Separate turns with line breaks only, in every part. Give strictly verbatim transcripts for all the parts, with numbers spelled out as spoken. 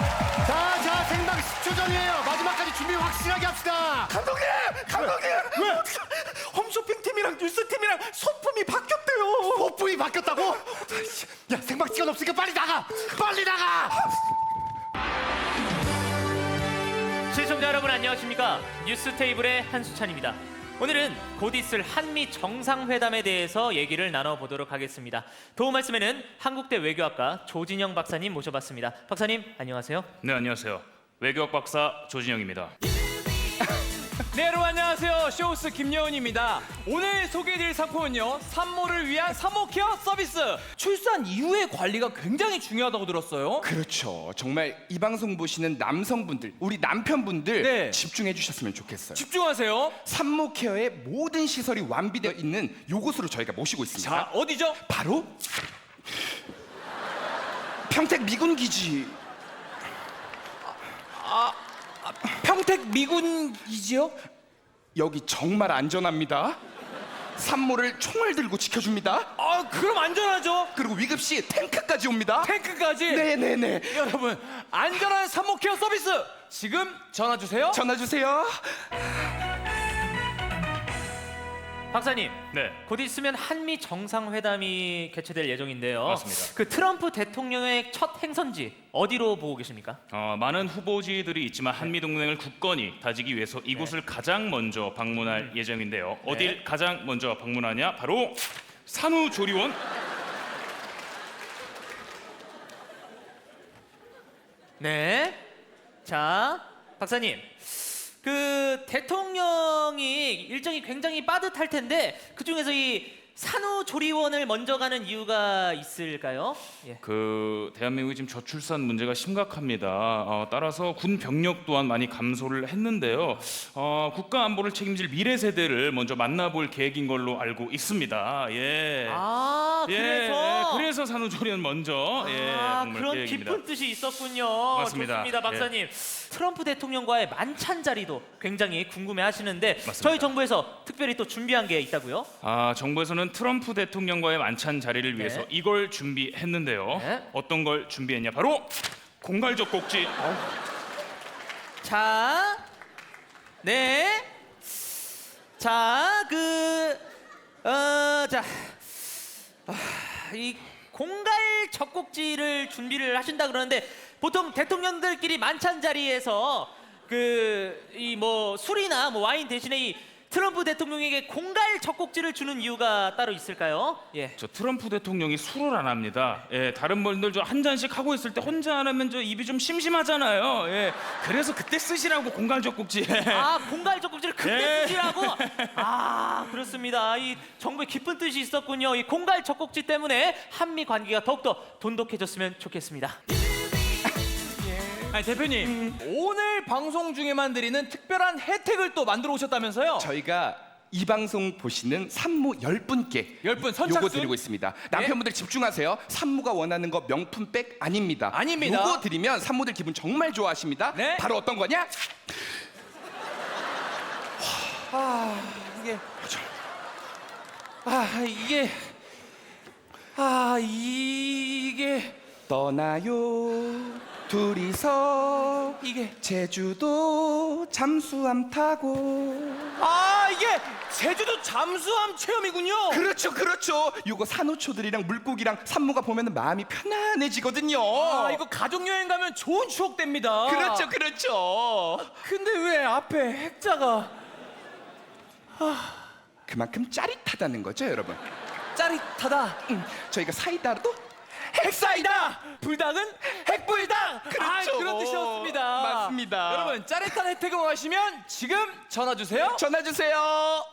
자, 자, 생방 십 초 전이에요. 마지막까지 준비 확실하게 합시다.
감독님! 감독님!
왜?
홈쇼핑팀이랑 뉴스팀이랑 소품이 바뀌었대요.
소품이 바뀌었다고? 야, 생방 시간 없으니까 빨리 나가! 빨리 나가!
시청자 여러분 안녕하십니까? 뉴스 테이블의 한수찬입니다. 오늘은 곧 있을 한미 정상회담에 대해서 얘기를 나눠보도록 하겠습니다. 도움 말씀에는 한국대 외교학과 조진영 박사님 모셔봤습니다. 박사님 안녕하세요.
네, 안녕하세요. 외교학 박사 조진영입니다.
네, 여러분 안녕하세요. 쇼호스 김여은입니다. 오늘 소개해드릴 상품은요, 산모를 위한 산모 케어 서비스. 출산 이후의 관리가 굉장히 중요하다고 들었어요.
그렇죠. 정말 이 방송 보시는 남성분들, 우리 남편분들
네.
집중해 주셨으면 좋겠어요.
집중하세요.
산모 케어의 모든 시설이 완비되어 있는 요곳으로 저희가 모시고 있습니다.
자, 어디죠?
바로 평택 미군 기지.
평택 미군이지요?
여기 정말 안전합니다. 산모를 총을 들고 지켜줍니다.
아, 그럼 안전하죠.
그리고 위급 시 탱크까지 옵니다.
탱크까지.
네네네.
여러분, 안전한 산모 케어 서비스 지금 전화 주세요.
전화 주세요.
박사님,
네.
곧 있으면 한미 정상회담이 개최될 예정인데요.
맞습니다.
그 트럼프 대통령의 첫 행선지 어디로 보고 계십니까?
어, 많은 후보지들이 있지만 한미 동맹을 굳건히 다지기 위해서 이곳을 가장 먼저 방문할 예정인데요. 어딜 가장 먼저 방문하냐? 바로 산후조리원.
네. 자, 박사님. 그 대통령이 일정이 굉장히 빠듯할 텐데 그 중에서 이 산후조리원을 먼저 가는 이유가 있을까요? 예.
그 대한민국이 지금 저출산 문제가 심각합니다. 어, 따라서 군 병력 또한 많이 감소를 했는데요. 어, 국가 안보를 책임질 미래 세대를 먼저 만나볼 계획인 걸로 알고 있습니다. 예.
아,
예,
그래서
예, 그래서 산후조리원 먼저 예,
아,
방문할
그런
계획입니다.
깊은 뜻이 있었군요.
맞습니다.
좋습니다, 박사님. 트럼프 대통령과의 만찬 자리도 굉장히 궁금해하시는데
맞습니다.
저희 정부에서 특별히 또 준비한 게 있다고요?
아, 정부에서는 트럼프 대통령과의 만찬 자리를 위해서
네.
이걸 준비했는데요.
네.
어떤 걸 준비했냐? 바로 공갈적 꼭지.
자, 네, 자, 그, 어, 자, 아, 이 공갈 젖꼭지를 준비를 하신다 그러는데 보통 대통령들끼리 만찬 자리에서 그 이 뭐 술이나 뭐 와인 대신에 이 트럼프 대통령에게 공갈 젖꼭지를 주는 이유가 따로 있을까요? 예.
저 트럼프 대통령이 술을 안 합니다. 예, 다른 분들 저 한 잔씩 하고 있을 때 혼자 안 하면 저 입이 좀 심심하잖아요. 예, 그래서 그때 쓰시라고 공갈적 꼭지.
아, 공갈 젖꼭지를 그때
예.
쓰시라고? 아, 그렇습니다. 이 정부의 깊은 뜻이 있었군요. 이 공갈 젖꼭지 때문에 한미 관계가 더욱더 돈독해졌으면 좋겠습니다.
아니, 대표님, 오늘 방송 중에만 드리는 특별한 혜택을 또 만들어 오셨다면서요?
저희가 이 방송 보시는 산모 열 분께
열 분 선착순?
요거 드리고 있습니다. 남편분들 집중하세요. 산모가 원하는 거 명품백 아닙니다.
아닙니다.
요거 드리면 산모들 기분 정말 좋아하십니다.
네.
바로 어떤 거냐?
아, 이게 아, 이게 아, 이게
떠나요 둘이서
이게
제주도 잠수함 타고.
아, 이게 제주도 잠수함 체험이군요.
그렇죠, 그렇죠. 요거 산호초들이랑 물고기랑 산모가 보면 마음이 편안해지거든요.
아, 이거 가족 여행 가면 좋은 추억 됩니다.
그렇죠, 그렇죠.
근데 왜 앞에 핵자가
그만큼 짜릿하다는 거죠, 여러분.
짜릿하다.
음, 저희가 사이다도
핵사이다. 불닭은 핵불닭.
그렇죠.
아, 그런 뜻이었습니다.
맞습니다.
여러분, 짜릿한 혜택을 원하시면 지금 전화 주세요.
전화 주세요.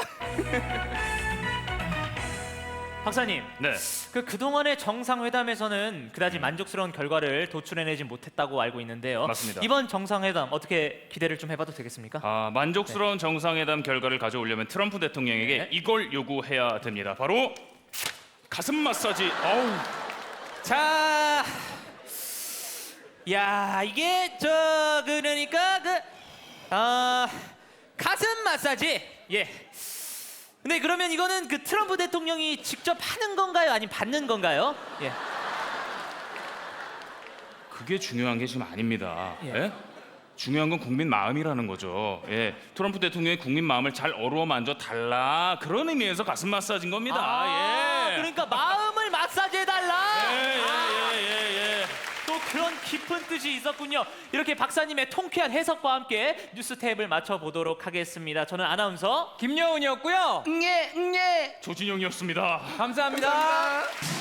박사님,
네.
그 그동안의 정상회담에서는 그다지 만족스러운 결과를 도출해내지 못했다고 알고 있는데요.
맞습니다.
이번 정상회담 어떻게 기대를 좀 해봐도 되겠습니까?
아, 만족스러운 정상회담 결과를 가져오려면 트럼프 대통령에게
네.
이걸 요구해야 됩니다. 바로 가슴 마사지. 어우.
자, 야, 이게 저 그러니까 그 아, 가슴 마사지. 예. 근데 그러면 이거는 그 트럼프 대통령이 직접 하는 건가요? 아니면 받는 건가요? 예.
그게 중요한 게 지금 아닙니다.
예.
예? 중요한 건 국민 마음이라는 거죠. 예, 트럼프 대통령이 국민 마음을 잘 어루만져 달라 그런 의미에서 가슴 마사지인 겁니다.
아,
예.
그러니까 마음을 마사지해 달라.
예, 예,
아,
예, 예, 예.
또 그런 깊은 뜻이 있었군요. 이렇게 박사님의 통쾌한 해석과 함께 뉴스 탭을 맞춰보도록 하겠습니다. 저는 아나운서
김여운이었고요.
응예 응예.
조진영이었습니다.
감사합니다.